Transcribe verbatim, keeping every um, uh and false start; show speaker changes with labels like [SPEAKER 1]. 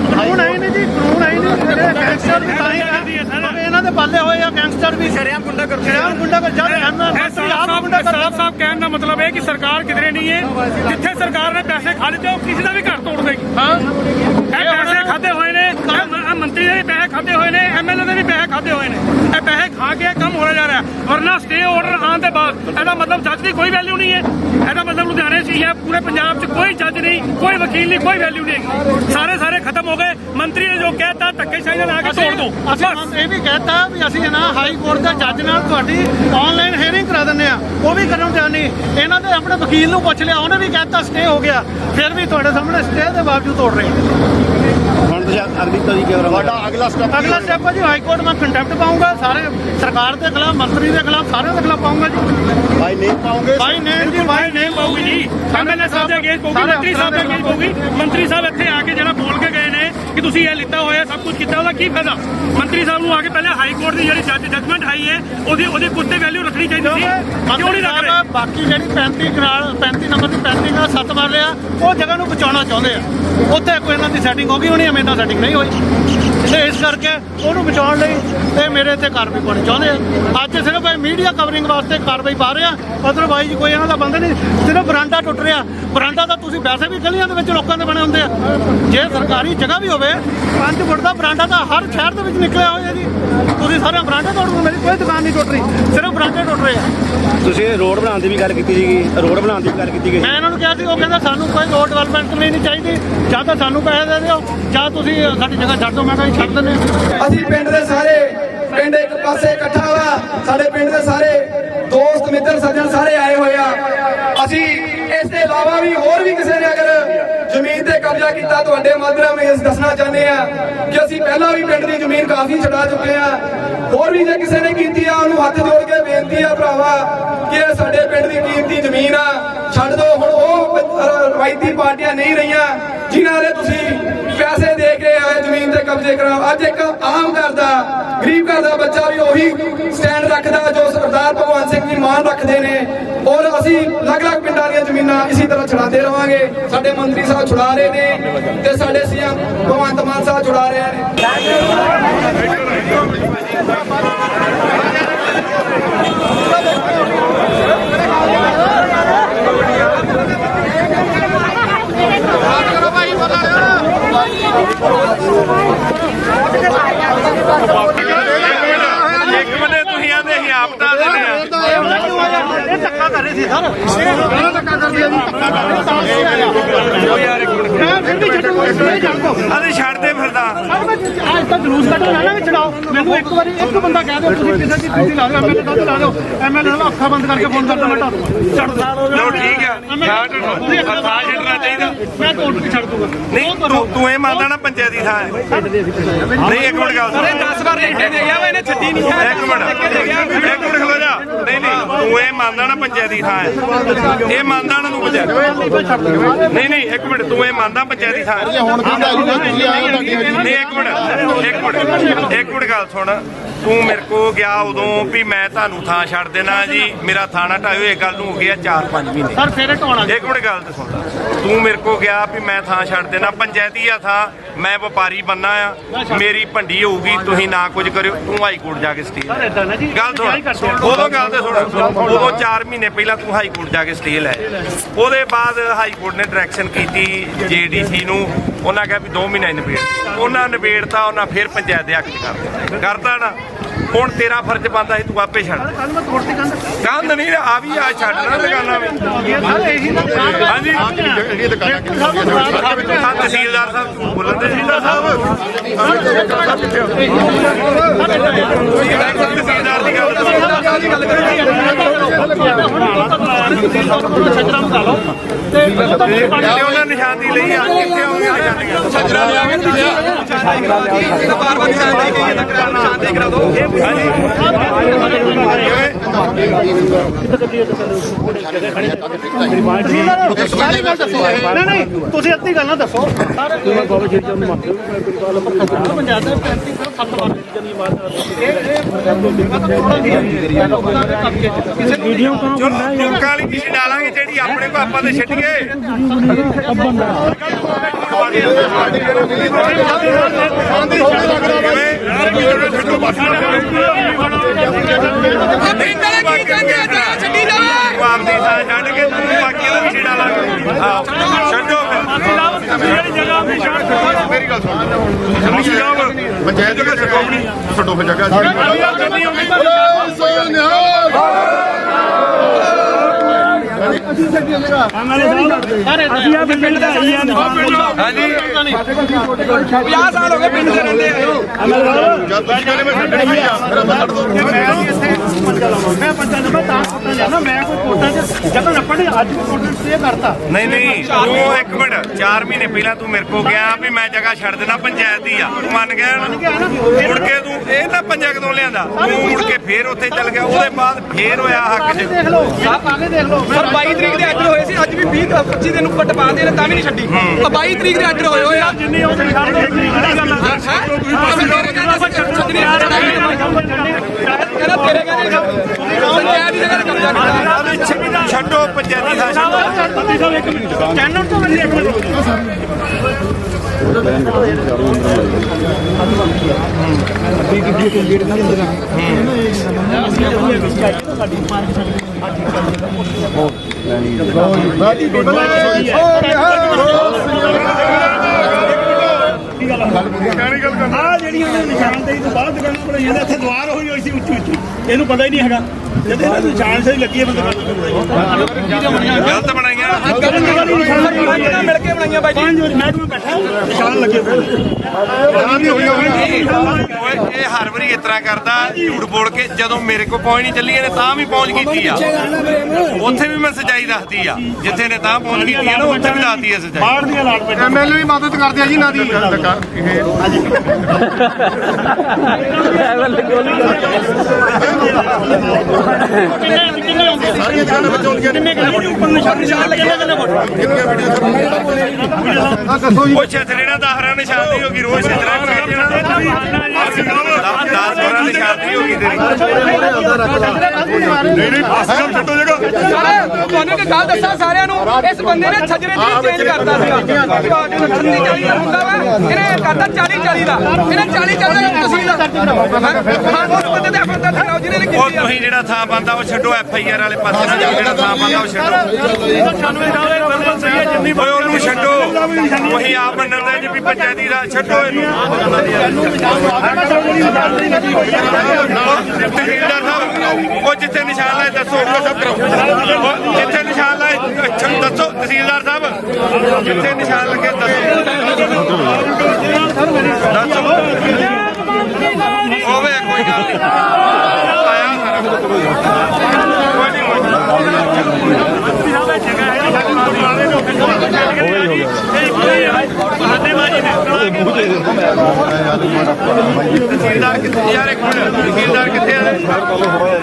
[SPEAKER 1] ਕਾਨੂੰਨ ਹੈ ਨਹੀਂ ਜੀ, ਕਾਨੂੰਨ ਹੈ ਨਹੀਂ। ਗੈਂਗਸਟਰ ਵੀ ਤਾਂ ਹੀ ਇਹਨਾਂ ਦੇ ਪਾਲੇ ਹੋਏ ਆ, ਗੈਂਗਸਟਰ ਵੀ ਸ਼ਰੇਆਮ ਗੁੰਡਾ ਕਰ ਸ਼ਰੇਆਮ ਗੁੰਡਾ ਕਰ ਜਦ
[SPEAKER 2] ਸਾਹਿਬ ਸਾਹਿਬ ਕਹਿਣ ਦਾ ਮਤਲਬ ਇਹ ਕਿ ਸਰਕਾਰ ਕਿਧਰੇ ਨਹੀਂ ਹੈ, ਜਿੱਥੇ ਸਰਕਾਰ ਨੇ ਪੈਸੇ ਖਾ ਲਿੱਤੇ ਉਹ ਕਿਸੇ ਦਾ ਵੀ ਘਰ ਤੋੜ ਦੇਗੀ। ਹਾਂ, ਇਹ ਪੈਸੇ ਖਾਦੇ ਹੋਏ ਨੇ, ਮੰਤਰੀ ਦੇ ਵੀ ਪੈਸੇ ਖਾਦੇ ਹੋਏ ਨੇ, ਐਮਐਲਏ ਦੇ ਵੀ ਪੈਸੇ ਖਾਦੇ ਹੋਏ ਨੇ। ਇਹ ਪੈਸੇ ਖਾ ਕੇ ਕੰਮ ਹੋਣਾ ਜਾ ਰਿਹਾ, ਵਰਨਾ ਸਟੇ ਆਰਡਰ ਆਉਣ ਦੇ ਬਾਅਦ ਇਹਦਾ ਮਤਲਬ ਜੱਜ ਦੀ ਕੋਈ ਵੈਲਿਊ ਨਹੀਂ ਹੈ। ਇਹਦਾ ਮਤਲਬ ਲੁਧਿਆਣੇ ਸੀ ਹੈ, ਪੂਰੇ ਪੰਜਾਬ 'ਚ ਕੋਈ ਜੱਜ ਨਹੀਂ, ਕੋਈ ਵਕੀਲ ਨਹੀਂ, ਕੋਈ ਵੈਲਿਊ ਨਹੀਂ। ਸਾਰੇ ਸਾਰੇ ਖਤਮ ਹੋ ਗਏ। ਮੰਤਰੀ ਨੇ ਜੋ ਕਹਿਤਾ ਧੱਕੇਸ਼ਾਹੀ ਨਾਲ ਆ ਕੇ ਤੋੜ ਦੋ।
[SPEAKER 1] ਅਸੀਂ ਇਹ ਵੀ ਕਹਿਤਾ ਵੀ ਅਸੀਂ ਨਾ ਹਾਈ ਕੋਰਟ ਦੇ ਜੱਜ ਨਾਲ ਤੁਹਾਡੀ ਆਨਲਾਈਨ ਹੀਅਰਿੰਗ ਕਰਾ ਦਿੰਦੇ ਆ, ਉਹ ਵੀ ਕਰਨ ਤਿਆਰ ਨਹੀਂ। ਇਹਨਾਂ ਦੇ ਆਪਣੇ ਵਕੀਲ ਨੂੰ ਪੁੱਛ ਲਿਆ, ਉਹਨੇ ਵੀ ਕਹਿਤਾ ਸਟੇ ਹੋ ਗਿਆ, ਫਿਰ ਵੀ ਤੁਹਾਡੇ ਸਾਹਮਣੇ ਸਟੇ ਦੇ ਬਾਵਜੂਦ ਤੋੜ ਰਹੇ
[SPEAKER 3] ਹੁਣ ਤੁਸੀਂ ਅਗਲੀ ਤਰੀ ਕੀ ਤੁਹਾਡਾ ਅਗਲਾ ਸਟੈਪ
[SPEAKER 1] ਅਗਲਾ ਸਟੈਪ ਹੈ ਜੀ ਹਾਈ ਕੋਰਟ ਮੈਂ ਕੰਟੈਂਪਟ ਪਾਉਂਗਾ, ਸਾਰੇ ਸਰਕਾਰ ਦੇ ਖਿਲਾਫ, ਮੰਤਰੀ ਦੇ ਖਿਲਾਫ, ਸਾਰਿਆਂ ਦੇ ਖਿਲਾਫ ਪਾਉਂਗਾ ਜੀ।
[SPEAKER 3] ਬਾਈ ਨੇਮ ਪਾਉਂਗੇ?
[SPEAKER 1] ਬਾਈ ਨੇਮ ਜੀ, ਬਾਈ ਨੇਮ
[SPEAKER 2] ਪਾਊਗੀ ਜੀ। ਐਮਐਲਏ ਸਾਹਿਬ ਦੇ ਅਗੇਂਸਟ ਪਾਊਗੀ, ਮੰਤਰੀ ਸਾਹਿਬ ਦੇ ਅਗੇਂਸਟ ਪਾਊਗੀ। ਮੰਤਰੀ ਸਾਹਿਬ ਇੱਥੇ ਆ ਕੇ ਜਿਹੜਾ ਬੋਲ ਕੇ ਗਏ ਨੇ ਕਿ ਤੁਸੀਂ ਇਹ ਲਿੱਤਾ ਹੋਇਆ, ਸਭ ਕੁਝ ਕੀਤਾ, ਉਹਦਾ ਕੀ ਫਾਇਦਾ? ਮੰਤਰੀ ਸਾਹਿਬ ਨੂੰ ਆ ਕੇ ਪਹਿਲੇ ਹਾਈ ਕੋਰਟ ਦੀ ਜਿਹੜੀ ਜੱਜ ਜਜਮੈਂਟ ਆਈ ਹੈ ਉਹਦੀ ਉਹਦੀ ਕੁੱਤੇ ਵੈਲਿਊ ਰੱਖਣੀ ਚਾਹੀਦੀ ਸੀ, ਕਿਉਂ ਨਹੀਂ ਰੱਖ ਰਹੇ?
[SPEAKER 1] ਬਾਕੀ ਜਿਹੜੀ ਪੈਂਤੀ ਕਨਾਲ ਪੈਂਤੀ ਨੰਬਰ ਦੀ ਪੈਂਤੀ ਨਾਲ ਸੱਤ ਮਾਰ ਲਿਆ, ਉਹ ਜਗ੍ਹਾ ਨੂੰ ਬਚਾਉਣਾ ਚਾਹੁੰਦੇ ਆ। ਉੱਥੇ ਕੋਈ ਇਹਨਾਂ ਦੀ ਸੈਟਿੰਗ ਹੋ ਗਈ ਹੋਣੀ, ਮੇਰੇ ਨਾਲ ਸੈਟਿੰਗ ਨਹੀਂ ਹੋਈ, ਤੇ ਇਸ ਕਰਕੇ ਉਹਨੂੰ ਬਚਾਉਣ ਲਈ ਤੇ ਮੇਰੇ ਤੇ ਕਾਰਵਾਈ ਪਾਉਣੀ ਚਾਹੁੰਦੇ ਆ। ਅੱਜ ਸਿਰਫ ਮੀਡੀਆ ਕਵਰਿੰਗ ਵਾਸਤੇ ਕਾਰਵਾਈ ਪਾ ਰਹੇ ਆ, ਅਦਰਵਾਈਜ਼ ਕੋਈ ਇਹਨਾਂ ਦਾ ਬੰਦਾ ਨਹੀਂ। ਸਿਰਫ ਬਰਾਂਡਾ ਟੁੱਟ ਰਿਹਾ, ਬਰਾਂਡਾ ਤਾਂ ਤੁਸੀਂ ਵੈਸੇ ਵੀ ਗਲੀਆਂ ਦੇ ਵਿੱਚ ਲੋਕਾਂ ਦੇ ਬਣੇ ਹੁੰਦੇ ਆ। ਜੇ ਸਰਕਾਰੀ ਜਗ੍ਹਾ ਵੀ ਹੋਵੇ, ਪੰਜ ਫੁੱਟ ਦਾ ਬਰਾਂਡਾ ਤਾਂ ਹਰ ਸ਼ਹਿਰ ਦੇ ਵਿੱਚ ਨਿਕਲਿਆ ਹੋਇਆ ਜੀ। ਤੁਸੀਂ ਸਾਰੇ ਬਰਾਂਡੇ ਤੋੜ ਦਿਓ, ਮੇਰੀ ਕੋਈ ਦੁਕਾਨ ਨਹੀਂ ਟੁੱਟ ਰਹੀ, ਸਿਰਫ ਬਰਾਂਡੇ ਟੁੱਟ ਰਹੇ ਆ।
[SPEAKER 3] ਤੁਸੀਂ ਰੋਡ ਬਣਾਉਣ ਦੀ ਵੀ ਗੱਲ ਕੀਤੀ ਸੀਗੀ, ਰੋਡ ਬਣਾਉਣ ਦੀ ਵੀ ਗੱਲ ਕੀਤੀ ਗਈ।
[SPEAKER 1] ਮੈਂ ਇਹਨਾਂ ਨੂੰ ਕਿਹਾ ਸੀ, ਉਹ ਕਹਿੰਦਾ ਸਾਨੂੰ ਕੋਈ ਰੋਡ ਡਿਵੈਲਪਮੈਂਟ ਨਹੀਂ ਚਾਹੀਦੀ, ਜਾਂ ਤਾਂ ਸਾਨੂੰ ਪੈਸੇ ਦੇ ਦਿਓ ਜਾਂ ਤੁਸੀਂ ਸਾਡੀ ਜਗ੍ਹਾ ਛੱਡ ਦਿਓ। ਮੈਂ ਕਿਹਾ ਛੱਡ ਦਿੰਦੇ ਹਾਂ।
[SPEAKER 4] ਅਸੀਂ ਪਿੰਡ ਦੇ ਸਾਰੇ ਪਿੰਡ ਇੱਕ ਪਾਸੇ ਇਕੱਠਾ ਵਾ, ਸਾਡੇ ਪਿੰਡ ਦੇ ਸਾਰੇ ਦੋਸਤ ਮਿੱਤਰ ਸੱਜਣ ਸਾਰੇ ਆਏ ਹੋਏ ਆ। ਅਸੀਂ ਇਸ ਦੇ ਇਲਾਵਾ ਵੀ ਹੋਰ ਵੀ ਕਿਸੇ ਨੇ ਅਗਰ ਜ਼ਮੀਨ ਤੇ ਕਬਜ਼ਾ ਕੀਤਾ, ਤੁਹਾਡੇ ਮਾਧਿਅਮ ਰਾਹੀਂ ਦੱਸਣਾ ਚਾਹੁੰਦੇ ਆ ਕਿ ਅਸੀਂ ਪਹਿਲਾਂ ਵੀ ਪਿੰਡ ਦੀ ਜ਼ਮੀਨ ਕਾਫੀ ਛਡਾ ਚੁੱਕੇ ਆ। ਹੋਰ ਵੀ ਜੇ ਕਿਸੇ ਨੇ ਕੀਤੀ ਆ, ਉਹਨੂੰ ਹੱਥ ਜੋੜ ਕੇ ਬੇਨਤੀ ਆ ਭਰਾਵਾ ਕਿ ਇਹ ਸਾਡੇ ਪਿੰਡ ਦੀ ਕੀਮਤੀ ਜ਼ਮੀਨ ਆ, ਛੱਡ ਦਿਓ। ਹੁਣ ਉਹ ਰਵਾਇਤੀ ਪਾਰਟੀਆਂ ਨਹੀਂ ਰਹੀਆਂ ਜਿਨ੍ਹਾਂ ਦੇ ਤੁਸੀਂ ਪੈਸੇ ਦੇ ਕੇ ਆਏ ਜ਼ਮੀਨ ਤੇ ਕਬਜ਼ੇ ਕਰਾਓ। ਅੱਜ ਇੱਕ ਆਮ ਘਰ ਦਾ ਗਰੀਬ ਘਰ ਦਾ ਬੱਚਾ ਵੀ ਉਹੀ ਸਟੈਂਡ ਰੱਖਦਾ ਜੋ ਸਰਦਾਰ ਭਗਵੰਤ ਸਿੰਘ ਜੀ ਮਾਨ ਰੱਖਦੇ ਨੇ। ਔਰ ਅਸੀਂ ਅਲੱਗ-ਅਲੱਗ ਪਿੰਡਾਂ ਦੀਆਂ ਜ਼ਮੀਨਾਂ ਇਸੇ ਤਰ੍ਹਾਂ ਛੁਡਾਉਂਦੇ ਰਵਾਂਗੇ। ਸਾਡੇ ਮੰਤਰੀ ਸਾਹਿਬ ਛੁਡਾ ਰਹੇ ਨੇ ਤੇ ਸਾਡੇ ਸੀਐਮ ਭਗਵੰਤ ਮਾਨ ਸਾਹਿਬ ਛੁਡਾ ਰਹੇ ਨੇ।
[SPEAKER 2] ਇੱਕ ਬੰਦੇ ਤੁਸੀਂ ਆਂਦੇ ਸੀ ਆਪਦਾ ਦੇ
[SPEAKER 1] ਇਹ ਧੱਕਾ ਕਰ ਰਹੇ ਸੀ ਸਰ, ਇਹ ਧੱਕਾ ਕਰਦੇ ਆ ਜੀ, ਧੱਕਾ ਕਰ ਰਹੇ ਤਾਂ ਯਾਰ। ਇੱਕ ਮਿੰਟ ਫਿਰ ਵੀ ਛੱਡੋ, ਨਹੀਂ ਛੱਡ ਦੋ।
[SPEAKER 2] ਅਰੇ ਛੱਡਦੇ ਫਿਰਦਾ
[SPEAKER 1] ਅੱਜ ਤਾਂ ਜਲੂਸ ਕੱਢਣਾ ਨਾ ਵੀ ਛਡਾਓ। ਮੈਨੂੰ ਇੱਕ ਵਾਰੀ ਇੱਕ ਬੰਦਾ ਕਹਿ ਦਿਓ ਤੁਸੀਂ ਕਿਸੇ ਦੀ ਤੁਸੀਂ ਲਾ ਦਿਓ, ਐਮਐਲਏ ਦਾ ਲਾ ਦਿਓ, ਐਮਐਲਏ ਨਾਲ ਅੱਖਾਂ ਬੰਦ ਕਰਕੇ ਫੋਨ ਕਰਦਾ, ਮੈਂ ਢਾ ਦੂੰਗਾ। ਛੱਡ ਦੋ।
[SPEAKER 2] ਲਓ ਠੀਕ ਆ, ਛੱਡ ਥਾਂ ਛੱਡਣਾ ਚਾਹੀਦਾ।
[SPEAKER 1] ਮੈਂ ਕੋਰਟ ਵੀ ਛੱਡ ਦੂੰਗਾ।
[SPEAKER 2] ਨਹੀਂ ਤੂੰ ਤੂੰ ਇਹ ਮੰਨਦਾ ਨਾ ਪੰਚਾਇਤੀ ਥਾਂ ਹੈ? ਨਹੀਂ ਇੱਕ ਮਿੰਟ ਗੱਲ ਸੁਣ।
[SPEAKER 5] ਦਸ ਵਾਰ ਰੇਟੇ ਦੇ ਗਿਆ ਵਾ, ਇਹਨੇ ਛੱਡੀ ਨਹੀਂ ਹੈ।
[SPEAKER 2] ਇੱਕ ਮਿੰਟ ਇੱਕ ਮਿੰਟ ਖਲੋ ਜਾ। ਨਹੀਂ ਨਹੀਂ ਤੂੰ ਇਹ ਮੰਨਦਾ ਨਾ ਪੰਚਾਇਤੀ ਥਾਂ ਹੈ? ਇਹ ਮੰਨਦਾ ਨਾ ਤੂੰ ਪੰਚਾਇਤ? ਨਹੀਂ ਨਹੀਂ ਇੱਕ ਮਿੰਟ ਤੂੰ ਇਹ ਮੰਨਦਾ ਪੰਚਾਇਤੀ ਥਾਂ ਹੈ?
[SPEAKER 3] ਹੁਣ ਕੀ
[SPEAKER 2] ਨਹੀਂ ਇੱਕ ਮਿੰਟ ਇੱਕ ਮਿੰਟ ਇੱਕ ਮਿੰਟ ਗੱਲ ਸੁਣ। ਤੂੰ ਮੇਰੇ ਕੋ ਗਿਆ ਉਦੋਂ ਵੀ ਮੈਂ ਤੁਹਾਨੂੰ ਥਾਂ ਛੱਡ ਦੇਣਾ ਜੀ, ਮੇਰਾ ਥਾਣਾ ਢਾਇਓ। ਇਹ ਗੱਲ ਨੂੰ ਹੋ ਗਿਆ ਚਾਰ ਪੰਜ ਮਹੀਨੇ।
[SPEAKER 1] ਸਰ ਫੇਰ ਢਾਉਣਾ
[SPEAKER 2] ਇੱਕ ਮਿੰਟ ਗੱਲ ਤੇ ਸੁਣ। ਤੂੰ ਮੇਰੇ ਕੋ ਗਿਆ ਵੀ ਮੈਂ ਥਾਂ ਛੱਡ ਦੇਣਾ, ਪੰਚਾਇਤੀ ਆ ਥਾਂ, ਮੈਂ ਵਪਾਰੀ ਬੰਨਾ ਆ, ਮੇਰੀ ਭੰਡੀ ਹੋਊਗੀ, ਤੁਸੀਂ ਨਾ ਕੁਝ ਕਰਿਓ। ਤੂੰ ਹਾਈ ਕੋਰਟ ਜਾ ਕੇ ਸਟੇ ਗੱਲ ਸੁਣ। ਉਦੋਂ ਗੱਲ ਤੇ ਸੁਣ, ਉਦੋਂ ਚਾਰ ਮਹੀਨੇ ਪਹਿਲਾਂ ਤੂੰ ਹਾਈ ਕੋਰਟ ਜਾ ਕੇ ਸਟੇ ਲੈ। ਉਹਦੇ ਬਾਅਦ ਹਾਈ ਕੋਰਟ ਨੇ ਡਾਇਰੈਕਸ਼ਨ ਕੀਤੀ ਜੇਡੀਸੀ ਨੂੰ, ਉਹਨਾਂ ਕਿਹਾ ਵੀ ਦੋ ਮਹੀਨੇ ਨਿਬੇੜ। ਉਹਨਾਂ ਨਿਬੇੜਤਾ, ਉਹਨਾਂ ਫਿਰ ਪੰਚਾਇਤ ਦੇ ਹੱਕ ਚ ਕਰ ਦਿੱਤਾ। ਕਰਤਾ ਨਾ। ਹੁਣ ਤੇਰਾ ਫਰਜ਼ ਬਣਦਾ ਸੀ ਤੂੰ ਆਪੇ ਛੱਡ। ਕੰਧ ਨਹੀਂ ਆ ਵੀ ਆ ਛੱਡਣਾ ਦੁਕਾਨਾਂ ਵੀ। ਹਾਂਜੀ ਤਹਿਸੀਲਦਾਰ ਸਾਹਿਬ ਬੋਲਣ ਦੇ ਤਹਿਸੀਲਦਾਰ ਸਾਹਿਬ ਤਹਿਸੀਲਦਾਰ ਦੀ ਗੱਲ ਤੇ ਉਹਨਾਂ ਨਿਸ਼ਾਨੀ ਲਈ ਆ ਕਿੱਥੇ ਹੋਣਗੇ ਨਿਸ਼ਾਨੀਆਂ
[SPEAKER 5] ਛੱਜਰਾ ਲਿਆ ਕੇ ਦਿੱਤਾ ਬਾਰ ਬਾਰ ਨਿਸ਼ਾਨ ਦੇ ਕੇ ਇਹਦਾ ਕਰਾ ਨਿਸ਼ਾਨ ਦੇ ਕਰਾ ਦੋ।
[SPEAKER 1] ਨਹੀਂ ਨਹੀਂ ਤੁਸੀਂ ਅੱਧੀ ਗੱਲ ਨਾ ਦੱਸੋ। ਪੰਚਾਇਤ ਦੇ ਪੈਂਤੀ ਸੱਤ ਵਾਰ ਲੋਕਾਂ ਦੇ ਕਬਜ਼ੇ 'ਚ ਕਿਸੇ ਨੂੰ
[SPEAKER 2] ਚਲੋ ਲੋਕਾਂ ਵਾਲੀ ਕਿਸੇ ਡਾਲਾਂਗੇ ਜਿਹੜੀ ਆਪਣੇ ਕੋ ਆਪਾਂ ਤੇ ਛੱਡੀਏ ਤੂੰ ਆਪਦੀ ਥਾਂ ਛੱਡ ਕੇ ਤੂੰ ਬਾਕੀ ਦਾ ਕਿਸੇ ਡਾਲਾਂਗੇ ਆਹੋ ਛੱਡੋ
[SPEAKER 3] ਮੇਰੀ ਗੱਲ ਸੁਣ ਪੰਚਾਇਤ ਜਗ੍ਹਾ ਛੱਡੋ ਆਪਣੀ ਛੱਡੋ ਫਿਰ ਜਗ੍ਹਾ
[SPEAKER 5] ਅਸੀਂ ਆ ਪਿੰਡ ਦਾ ਹੀ ਆ
[SPEAKER 2] ਹਾਂਜੀ
[SPEAKER 5] ਪੰਜਾਹ ਸਾਲ ਹੋ ਗਏ ਪਿੰਡ ਦੇ ਰਹਿੰਦੇ ਆ
[SPEAKER 3] ਜਦ ਤੁਸੀਂ ਕਹਿੰਦੇ ਮੈਂ ਛੱਡਣੀ ਨਹੀਂ ਆ ਮੇਰਾ ਮੈਂ ਛੱਡ ਦੋ
[SPEAKER 1] ਮੈਂ ਪੰਚਾਇਤ ਮੈਂ ਤਾਂ ਕੋਟਾਂ ਜਾਣਾ ਮੈਂ ਕੋਈ ਕੋਟਾਂ 'ਚ ਜਦੋਂ ਨੱਪਣੀ ਅੱਜ ਵੀ ਕੋਟਾਂ 'ਚ ਸਟੇ ਕਰਤਾ
[SPEAKER 2] ਨਹੀਂ ਨਹੀਂ ਤੂੰ ਇੱਕ ਮਿੰਟ ਚਾਰ ਮਹੀਨੇ ਪਹਿਲਾਂ ਤੂੰ ਮੇਰੇ ਕੋਲ ਗਿਆ ਵੀ ਮੈਂ ਜਗ੍ਹਾ ਛੱਡ ਦੇਣਾ ਪੰਚਾਇਤ ਦੀ ਆ ਤੂੰ ਮੰਨ ਗਿਆ ਨਾ ਮੁੜ ਕੇ ਤੂੰ ਇਹ ਤਾਂ ਪੰਜਾ ਕਦੋਂ ਲਿਆਂਦਾ ਤੂੰ ਮੁੜ ਕੇ ਫੇਰ ਉੱਥੇ ਚੱਲ ਗਿਆ ਉਹਦੇ ਬਾਅਦ ਫੇਰ ਹੋਇਆ ਹੱਕ 'ਚ
[SPEAKER 1] ਦੇਖ ਲਓ ਆਪ ਆਗੇ ਦੇਖ ਲਓ
[SPEAKER 5] ਸਰ ਬਾਈ ਤਰੀਕ ਦੇ ਆਰਡਰ ਹੋਏ ਸੀ ਅੱਜ ਵੀ ਵੀਹ ਪੱਚੀ ਦਿਨ ਨੂੰ ਕੱਟ ਪਾਉਂਦੇ ਨੇ ਤਾਂ ਵੀ ਨਹੀਂ ਛੱਡੀ ਤਾਂ ਬਾਈ ਤਰੀਕ ਦੇ ਆਰਡਰ ਹੋਏ ਹੋਏ ਆ
[SPEAKER 1] ਜਿੰਨੀ ਉਹ ਛੱਡ ਦੋ ਕਿਹੜੀ ਗੱਲ ਆ
[SPEAKER 5] ਕਹਿੰਦਾ ਤੇਰੇ ਕਹਿੰਦੇ ਪੰਚਾਇਤ ਦੀ ਜਗ੍ਹਾ ਤੇ ਕਬਜ਼ਾ ਕੀਤਾ
[SPEAKER 2] ਛੱਡੋ ਪੰਚਾਇਤੀ ਥਾਂ ਛੱਡੋ
[SPEAKER 1] ਪੱਤੀ ਸਾਹਿਬ ਇੱਕ ਮਿੰਟ ਚੈਨਲ ਤੋਂ ਮੈਨੂੰ ਇੱਕ ਮਿੰਟ
[SPEAKER 6] ਆ ਜਿਹੜੀਆਂ ਨੇ ਨਿਸ਼ਾਨਦੇਹੀ ਤੋਂ ਬਾਅਦ ਦੁਕਾਨਾਂ ਬਣਾਈਆਂ ਨੇ ਇੱਥੇ ਦੁਆਰ ਹੋਈ ਹੋਈ ਸੀ ਉੱਚੀ ਉੱਚੀ ਇਹਨੂੰ ਪਤਾ ਹੀ ਨਹੀਂ ਹੈਗਾ ਜਦੋਂ ਇਹਨਾਂ ਦੀ ਨਿਸ਼ਾਨ ਸਹੀ ਲੱਗੀ ਹੈ ਬੰਦੇ
[SPEAKER 2] ਗਲਤ ਬਣਾਈਆਂ
[SPEAKER 5] ਪੰਜ ਮਿਲ ਕੇ ਬਣਾਈਆਂ ਬਾਈ ਜੀ
[SPEAKER 6] ਪੰਜ ਵਾਰੀ ਮੈਂ ਕੋਈ ਬੈਠਾ ਨਿਸ਼ਾਨ ਲੱਗੇ ਹੋਏ
[SPEAKER 2] ਓਏ ਇਹ ਹਰ ਵਾਰੀ ਇਸ ਤਰ੍ਹਾਂ ਕਰਦਾ ਝੂਠ ਬੋਲ ਕੇ ਜਦੋਂ ਮੇਰੇ ਕੋਲ ਪਹੁੰਚ ਨਹੀਂ ਚੱਲੀ ਇਹਨੇ ਤਾਂ ਵੀ ਪਹੁੰਚ ਕੀਤੀ ਆ ਉੱਥੇ ਵੀ ਮੈਂ ਸੱਚਾਈ ਦੱਸਦੀ ਆ ਜਿੱਥੇ ਨੇ ਤਾਂ ਪਹੁੰਚ ਕੀਤੀ ਆ ਨਾ ਉੱਥੇ ਵੀ ਦੱਸਦੀ ਆ ਸੱਚਾਈ
[SPEAKER 6] ਬਾਹਰ ਦੀਆਂ ਲਾਟ ਪੈ
[SPEAKER 3] ਐਮਐਲਏ ਵੀ ਮਦਦ ਕਰਦੇ ਆ ਜੀ ਇਹਨਾਂ ਦੀ
[SPEAKER 1] ਕਿੰਨੇ ਕਿੰਨੇ ਹੁੰਦੇ
[SPEAKER 3] ਸਾਰੀਆਂ ਜਗ੍ਹਾ ਬਚਾਉਣ ਗਿਆ
[SPEAKER 1] ਕਿੰਨੇ ਕਿੰਨੇ ਉੱਪਰ ਨਿਸ਼ਾਨ ਨਿਸ਼ਾਨ ਲੱਗੇ ਕਿੰਨੇ ਫੁੱਟ
[SPEAKER 3] ਕਿੰਨੀਆਂ ਵੀਡੀਓ ਆ ਦੱਸੋ ਜੀ
[SPEAKER 2] ਉਹ ਛਤਰੇੜਾ ਦਾ ਹਰਾ ਨਿਸ਼ਾਨਦੀ ਹੋ ਗਈ ਰੋਜ਼ ਛਤਰਾ ਬਣਾ ਦੇਣਾ ਦਸ ਹੋਰਾਂ ਨਿਸ਼ਾਨਦੀ ਹੋ ਗਈ ਤੇਰੀ
[SPEAKER 3] ਨਹੀਂ ਨਹੀਂ ਪਾਸੇ ਛੱਡੋ ਜਗ੍ਹਾ
[SPEAKER 5] ਸਾਰੇ ਤੁਹਾਨੂੰ ਇੱਕ ਗੱਲ ਦੱਸਾਂ ਸਾਰਿਆਂ ਨੂੰ ਇਸ ਬੰਦੇ ਨੇ ਛਜਰੇ ਦੀ ਚੇਂਜ ਕਰਤਾ ਸੀਗਾ ਛੱਤੀ ਚਾਲੀ ਦਾ ਹੁੰਦਾ ਵਾ ਇਹਨੇ ਕਰਤਾ ਚਾਲੀ ਚਾਲੀ ਦਾ ਇਹਨੇ ਚਾਲੀ ਚਾਲੀ ਦਾ ਤਹਿਸੀਲ ਦਾ ਹਾਂ ਉਸ ਬੰਦੇ ਦੇ ਅਫਸਰ ਦਾ ਠਾਓ ਜਿਹਨੇ ਨੇ
[SPEAKER 2] ਉਹ
[SPEAKER 5] ਕੀਤੀ ਆ
[SPEAKER 2] ਤੁਸੀਂ ਜਿਹੜਾ ਥਾਂ ਬੰਦਾ ਉਹ ਛੱਡੋ ਐਫ ਆਈ ਆਰ ਵਾਲੇ ਪਾਸੇ ਨਾ ਜਾਓ ਜਿਹੜਾ ਥਾਂ ਬੰਦਾ ਉਹ ਛੱਡੋ ਓਏ ਉਹਨੂੰ ਛੱਡੋ ਉਹੀ ਆਪ ਮੰਨਦਾ ਜੀ ਵੀ ਪੰਚਾਇਤੀ ਦਾ ਛੱਡੋ ਇਹਨੂੰ ਤਹਿਸੀਲਦਾਰ ਸਾਹਿਬ ਉਹ ਜਿੱਥੇ ਨਿਸ਼ਾਨ ਲਾਏ ਦੱਸੋ ਉਹ ਜਿੱਥੇ ਨਿਸ਼ਾਨ ਲਾਏ ਦੱਸੋ ਤਹਿਸੀਲਦਾਰ ਸਾਹਿਬ ਜਿੱਥੇ ਨਿਸ਼ਾਨ ਲੱਗੇ ਦੱਸੋ ਦੱਸੋ ਹੋਵੇ ਕੋਈ ਗੱਲ ਨਹੀਂ ਆਇਆ ਸਾਰਾ ਕੋਈ ਨਹੀਂ ਤਹਿਸੀਲਦਾਰ ਕਿੱਥੇ ਯਾਰ ਇੱਕ ਮਿੰਟ ਤਹਿਸੀਲਦਾਰ ਕਿੱਥੇ ਆ